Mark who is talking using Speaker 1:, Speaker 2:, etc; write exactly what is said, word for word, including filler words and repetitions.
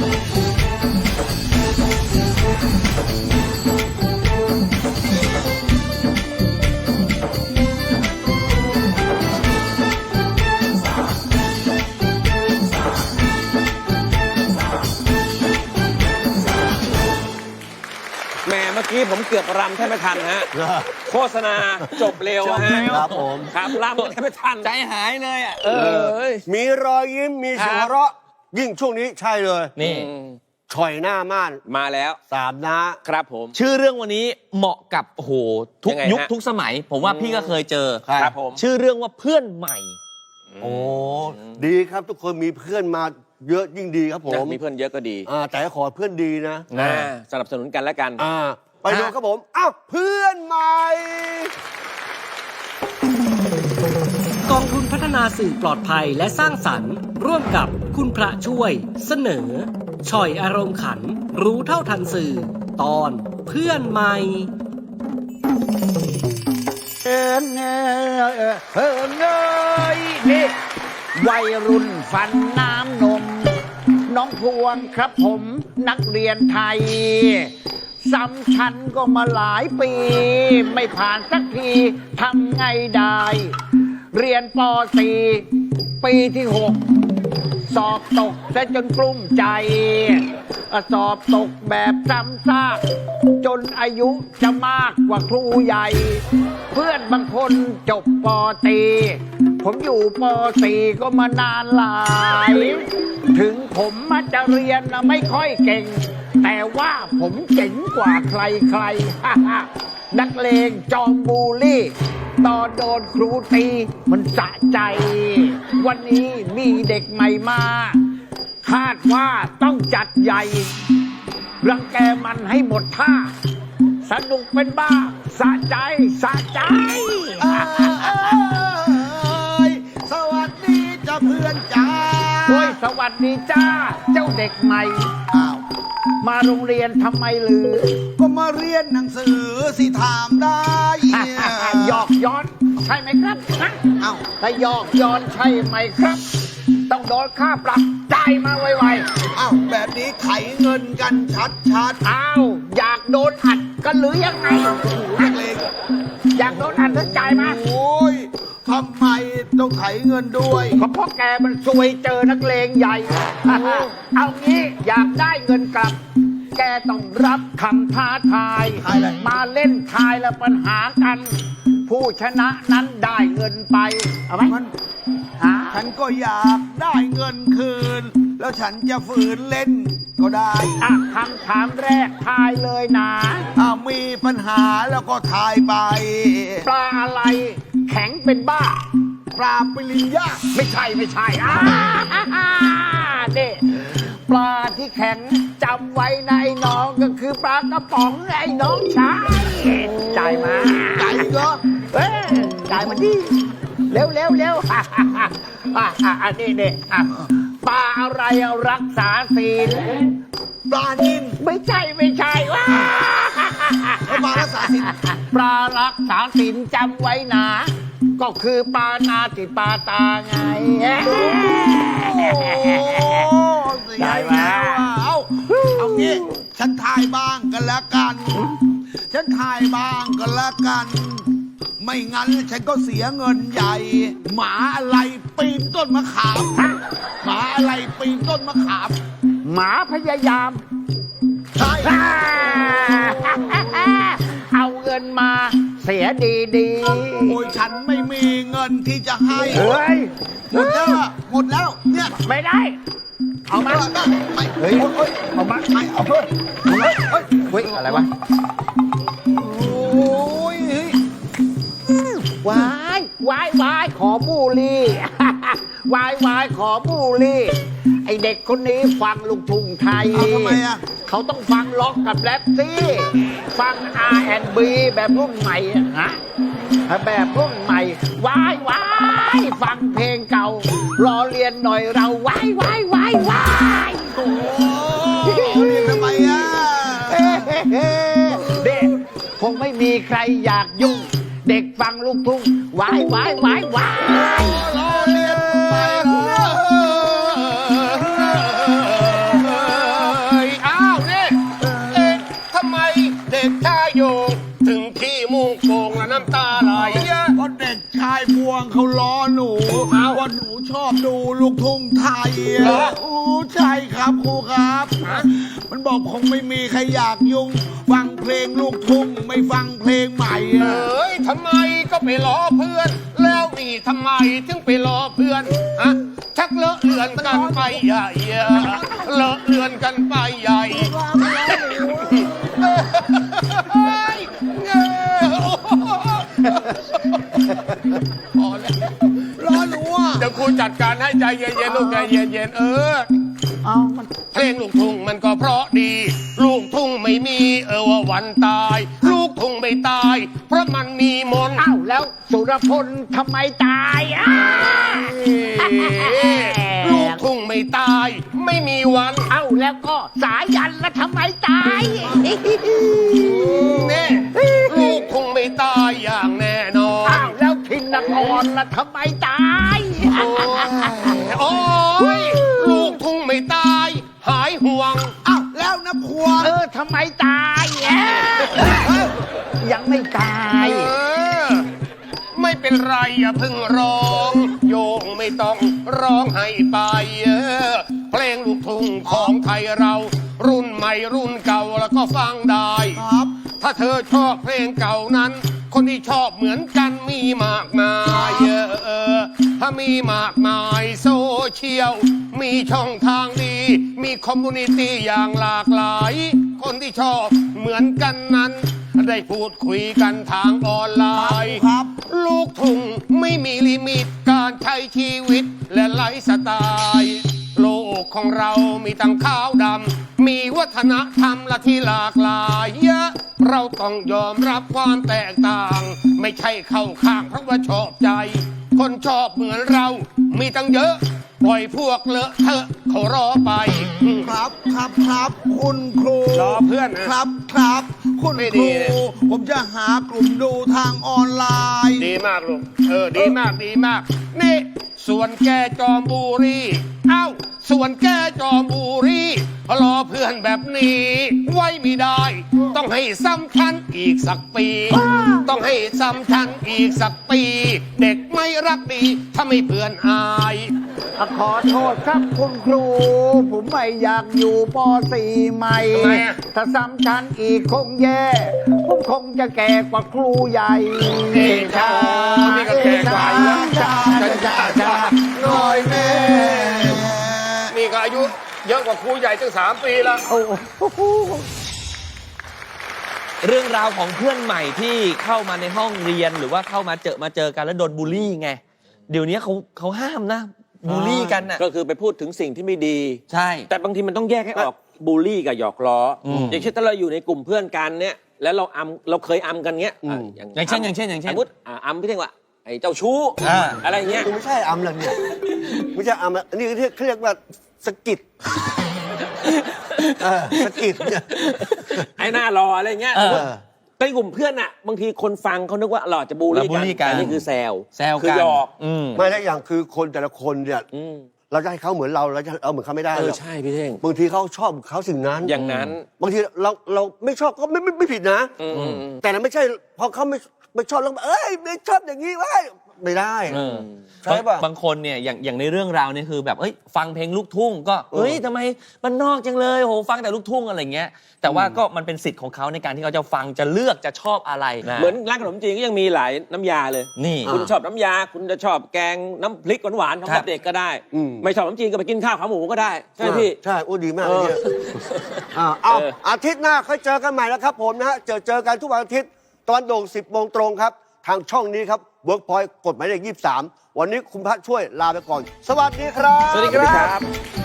Speaker 1: เมื่อกี้ผมเกือบรำแทบไม่ทันฮะโฆษณาจบเร็วฮะ
Speaker 2: ครับผม
Speaker 1: ครับรำแทบไม่ทัน
Speaker 3: ใจหายเลยอ่ะ
Speaker 1: เออ
Speaker 2: มีรอยยิ้มมีเสียงหัวเราะยิ่งช่วงนี้ใช่เลย
Speaker 3: นี่
Speaker 2: ฉ่อยหน้าม่าน
Speaker 1: มาแล้ว
Speaker 2: สามน้า
Speaker 1: ครับผม
Speaker 3: ชื่อเรื่องวันนี้เหมาะกับโอ้โหทุกยุคทุกสมัยผมว่าพี่ก็เคยเจอ
Speaker 1: ครับผม
Speaker 3: ชื่อเรื่องว่าเพื่อนใหม่
Speaker 2: โอ้ดีครับทุกคนมีเพื่อนมาเยอะยิ่งดีครับผม
Speaker 1: มีเพื่อนเยอะก็ดี
Speaker 2: อ่าแต่ขอเพื่อนดีนะ
Speaker 1: นะสนับสนุนกันแล้วกัน
Speaker 2: อ่าไปดูครับผมอ้าวเพื่อนใหม่
Speaker 4: กองทุนพัฒนาสื่อปลอดภัยและสร้างสรรค์ร่วมกับคุณพระช่วยเสนอฉ่อยอารมณ์ขันรู้เท่าทันสื่อตอนเพื่อนใหม่
Speaker 5: เอิงเอิงเอิงเอยนี่วัยรุ่นฟันน้ำนมน้องพวงครับผมนักเรียนไทยซ้ำชั้นก็มาหลายปีไม่ผ่านสักทีทำไงได้เรียนป สี่ ปีที่หกสอบตกซะจนกลุ้มใจสอบตกแบบซ้ำซากจนอายุจะมากกว่าครูใหญ่เพื่อนบางคนจบป.ตรีผมอยู่ป.สี่ ก็มานานหลายถึงผมมาจะเรียนไม่ค่อยเก่งแต่ว่าผมเจ๋งกว่าใครใครนักเลงจอมบูลลี่ตอนโดนครูตีมันสะใจวันนี้มีเด็กใหม่มาคาดว่าต้องจัดใหญ่รังแกมันให้หมดท่าสนุกเป็นบ้าสะใจสะใจ
Speaker 2: สวัสดีจ้าเพื่อนจ้า
Speaker 5: โอ้ยสวัสดีจ้าเจ้าเด็กใหม่
Speaker 2: อ้าว
Speaker 5: มาโรงเรียนทำไมหรือ
Speaker 2: ก็มาเรียนหนังสือสิถามได้
Speaker 5: หยอกย้อนใช่ไหมครับฮะ
Speaker 2: อ้าว
Speaker 5: ถ้าหยอกย้อนใช่ไหมครับต้องโดนค่าปรับจ่ายมาไว
Speaker 2: ๆอ้าวแบบนี้ไถเงินกันชัด
Speaker 5: ๆอ้าวอยากโดนอัดกันหรือยังไง
Speaker 2: นักเลง
Speaker 5: อยากโดนอัดแล้วจ่ายมา
Speaker 2: โอ้ยทำไมต้องไถเงินด้วย
Speaker 5: ก็เพราะแกมันซวยเจอนักเลงใหญ่เอางี้อยากได้เงินกลับแกต้องรับคำท้าทายมาเล่นทายและปัญหากันผู้ชนะนั้นได้เงินไปเอาไหม
Speaker 2: ฉันก็อยากได้เงินคืนแล้วฉันจะฝืนเล่นก็ได้
Speaker 5: อ่ะคำถามแรกทายเลยนะ
Speaker 2: ถ้ามีปัญหาแล้วก็ทายไป
Speaker 5: ปลาอะไรแข็งเป็นบ้า
Speaker 2: ปลาปลิงย่า
Speaker 5: ไม่ใช่ไม่ใช่อ่าเด็ปลาที่แข็งจำไว้นะไอ้น้องก็คือปลากระป๋องไอ้น้องชายจ่ายมา
Speaker 2: จ่ายเหรอ
Speaker 5: เอ้ยจ่ายมาดิเร็วเร็วเร็วอ่ะอ่ะอ่ะนี่นี่อ่ะปลาอะไรรักษาศีล
Speaker 2: ปลานิล
Speaker 5: ไม่ใช่ไม่ใช่ว้า
Speaker 2: ปลารักษาศีล
Speaker 5: ปลารักษาศีลจำไว้นะก็คือปลานาติปาตาไง
Speaker 2: ได้มาเอาเอางี้ฉันทายบ้างกันแล้วกันฉันทายบ้างกันแล้วกันไม่งั้นฉันก็เสียเงินใหญ่หมาอะไรปีนต้นมะขามหมาอะไรปีนต้นมะขาม
Speaker 5: หมาพยายาม
Speaker 2: ใช่
Speaker 5: เอาเงินมาเสียดีดี
Speaker 2: โอ้ยฉันไม่มีเงินที่จะให้
Speaker 5: เฮ้ย
Speaker 2: หมดแล้วหมดแล้วเนี่ย
Speaker 5: ไม่ได้เอามา
Speaker 2: ไม่เฮ้ย
Speaker 5: เอามา
Speaker 2: ไม่เอาเพิ่ม
Speaker 5: เฮ้ยเฮ้ยอะไรวะ
Speaker 2: โอ้ยว
Speaker 5: ายวายวายขอบูลลี่วายวายขอบูลลี่ไอเด็กคนนี้ฟังลูกทุ่งไทย
Speaker 2: ทำไมอ่ะ
Speaker 5: เขาต้องฟังล็อกกับแรปซี่ฟัง อาร์ แอนด์ บี แบบรุ่นใหม่ฮะแบบรุ่นใหม่วายวายฟังเพลงเก่ารอเรียนหน่อยเราวายวายวายวาย
Speaker 2: โอ้เรียนทำไมอ่ะ
Speaker 5: เด็กคงไม่มีใครอยากยุ่งเด็กฟังลูกทุ่งวายวายวายวาย
Speaker 2: รอเรียนไปเขาล้อหนูว่าหนูชอบดูลูกทุ่งไทยอะโอ้ใช่ครับครูครับ มันบอกคงไม่มีใครอยากยุ่ง ฟังเพลงลูกทุ่งไม่ฟังเพลงใหม่
Speaker 6: เอ
Speaker 2: อะ
Speaker 6: ้ยทำไมก็ไปล้อเพื่อน แล้วนี่ทำไมถึงไปล้อเพื่อนฮะชักเลอะเลือนกันไปใหญ่เลอะเลือนกันไปใหญ่เฮ้ยเงอพอแล้ว
Speaker 2: ล้อหนูอ่ะ
Speaker 6: เดี๋ยวครูจัดการให้ใจเย็นๆลูกใจเย็นๆเออ
Speaker 5: เอามัน
Speaker 6: เพลงลูกทุ่งมันก็เพราะดี ลูกทุ่งไม่มีเออว่าวันตาย ลูกทุ่งไม่ตาย เพราะมันมีมนต์
Speaker 5: เอ้าแล้วสุรพลทำไมตายอ่ะ
Speaker 6: ลูกทุ่งไม่ตาย ไม่มีวัน
Speaker 5: เอ้าแล้วก็สายันแล้วทำไมตาย
Speaker 6: เน่ลูกทุ่งไม่ตายอย่างแน่นอน
Speaker 5: อ้าวแล้วทินนครแล้วทำไมตาย
Speaker 6: โอ้ยลูกทุ่งไม่ตาย หายห่วง
Speaker 2: อ้าวแล้วนะพวง
Speaker 5: เออทำไมตายแอะยังไม่ตาย
Speaker 6: เออ ไม่เป็นไรอย่าเพิ่งร้อง โยงไม่ต้องร้องให้ไปเออเพลงลูกทุ่งของไทยเรา รุ่นใหม่รุ่นเก่าแล้วก็ฟังได้
Speaker 2: ครับ
Speaker 6: ถ้าเธอชอบเพลงเก่านั้น คนที่ชอบเหมือนกันมีมากมายเออเออถ้ามีมากมายโซเชียล มีช่องทางดี มีคอมมูนิตี้อย่างหลากหลาย คนที่ชอบเหมือนกันนั้น ได้พูดคุยกันทางออนไลน์
Speaker 2: ครับ
Speaker 6: ลูกทุ่งไม่มีลิมิตการใช้ชีวิตและไลฟ์สไตล์ โลกของเรามีทั้งขาวดำ มีวัฒนธรรมและที่หลากหลายเยอะ เราต้องยอมรับความแตกต่าง ไม่ใช่เข้าข้างเพราะว่าชอบใจ คนชอบเหมือนเรามีตั้งเยอะ ปล่อยพวกเลอะเทอะเขารอไป
Speaker 2: ครับครับครับคุณครู
Speaker 6: รอเพื่อนนะ
Speaker 2: ครับครับ คุณ
Speaker 6: ไม่
Speaker 2: ค
Speaker 6: ดี
Speaker 2: รู
Speaker 6: เลย
Speaker 2: ผมจะหากลุ่มดูทางออนไลน์
Speaker 6: ดีมากลูก เออ ดีมาก ดีมาก นี่ ส่วนแกจอมบุรี เอ้า ส่วนแกจอมบุรีรอเพื่อนแบบนี้ ไว้ไม่ได้ ต้องให้ซ้ำชั้นอีกสักปี ต้องให้ซ้ำชั้นอีกสักปี เด็กไม่รักดีถ้าไม่เพื่อนอาย
Speaker 5: ขอโทษครับคุณครู ผมไม่อยากอยู่ป .สี่ ใหม่
Speaker 6: ทำไมอะ
Speaker 5: ถ้าซ้ำชั้นอีกคงแย่ ผมคงจะแก่กว่าครูใหญ่
Speaker 6: เองชานี่ก็แก่กว่าอีกแล้ว
Speaker 5: ชาชาชาชา
Speaker 2: หน่อยแม่
Speaker 6: นี่ก็อายุเยอะกว่าครูใหญ่ตั้งสามปีแล้ว
Speaker 5: โอ้โห
Speaker 3: เรื่องราวของเพื่อนใหม่ที่เข้ามาในห้องเรียนหรือว่าเข้ามาเจอมาเจอกันแล้วโดนบูลลี่ไง เดี๋ยวนี้เขาเขาห้ามนะบูลลี่กันน่ะ
Speaker 1: ก็คือไปพูดถึงสิ่งที่ไม่ดี
Speaker 3: ใช่
Speaker 1: แต่บางทีมันต้องแยกให้ออกบูลลี่กับหยอกล้ออ
Speaker 3: ม
Speaker 1: อย่างเช่นถ้าเราอยู่ในกลุ่มเพื่อนกันเนี่ยแล้วเราอัมเราเคยอัมกันเงี้ยอ่ะ
Speaker 3: อย่างเช่นอย่างเช่นอย่างเช่น
Speaker 1: สมมติอ่ะอัมพี่เท่งว่าไอ้เจ้าชู้
Speaker 3: อ่า
Speaker 1: อะไรเงี้ย
Speaker 7: ไม่ใช่อัมแล้วเนี่ยไม่ใช่อัมแล้วอันนี้เขาเรียกว่าสะกิดเออสะกิดเนี่ย
Speaker 1: ไอ้หน้ารออะไรเงี้ย
Speaker 3: เออ
Speaker 1: ในกลุ่มเพื่อนอ่ะบางทีคนฟังเขานึกว่าเราอาจจะบูลลี่
Speaker 3: เราบูลลี่กัน
Speaker 1: แต่นี่คือแซว
Speaker 3: แซว
Speaker 1: คือ
Speaker 3: กัน
Speaker 1: หยอก
Speaker 3: อืม
Speaker 7: ไม่แล้วอย่างคือคนแต่ละคนเนี่ย
Speaker 1: อืม
Speaker 7: เราจะให้เขาเหมือนเราเราจะเอาเหมือนเขาไม่ได้
Speaker 1: เอ
Speaker 7: ห
Speaker 1: อ
Speaker 7: รอก
Speaker 1: ใช่พี่เท่ง
Speaker 7: บางทีเขาชอบเขาสิ่งนั้น
Speaker 1: อย่างนั้น
Speaker 7: บางทีเราเราไม่ชอบก็ไม่ไม่ไม่ผิดนะ
Speaker 1: อืมอืมอืม
Speaker 7: แต่นั้นไม่ใช่พอเขาไม่ไม่ชอบแล้วเอ้ยไม่ชอบอย่างนี้เว้ยไม่ได้
Speaker 3: เออ
Speaker 7: ใช่ป่ะ
Speaker 3: บางคนเนี่ยอย่างอย่างในเรื่องราวเนี่ยคือแบบเอ้ยฟังเพลงลูกทุ่งก็เอ้ยทำไมมันนอกจังเลยโหฟังแต่ลูกทุ่งอะไรเงี้ยแต่ว่าก็มันเป็นสิทธิ์ของเขาในการที่เขาจะฟังจะเลือกจะชอบอะไรนะ
Speaker 1: เหมือนร้านขนมจีนก็ยังมีหลายน้ำยาเลย
Speaker 3: นี่
Speaker 1: คุณชอบน้ำยา คุณจะชอบแกงน้ำพริกหวานๆของ
Speaker 3: ครับ
Speaker 1: เด็กก็ได้
Speaker 7: อืม
Speaker 1: ไม่ชอบน้ำจีนก็ไปกินข้าวขาหมูก็ได้ ใช่ไหมพี่
Speaker 7: ใช่โอ้ดีมากเลยเนี่ยอ่าเอา
Speaker 1: เออ
Speaker 7: อาทิตย์หน้าค่อยเจอกันใหม่แล้วครับผมนะฮะเจอเจอกันทุกวันอาทิตย์ตอนโด่งสิบโมงตรงครับ ทางช่องนี้ครับ Workpoint กฎหมายเลขยี่สิบสามวันนี้คุณพระช่วยลาไปก่อน สวัสดีครับ
Speaker 1: สวัสดีครับ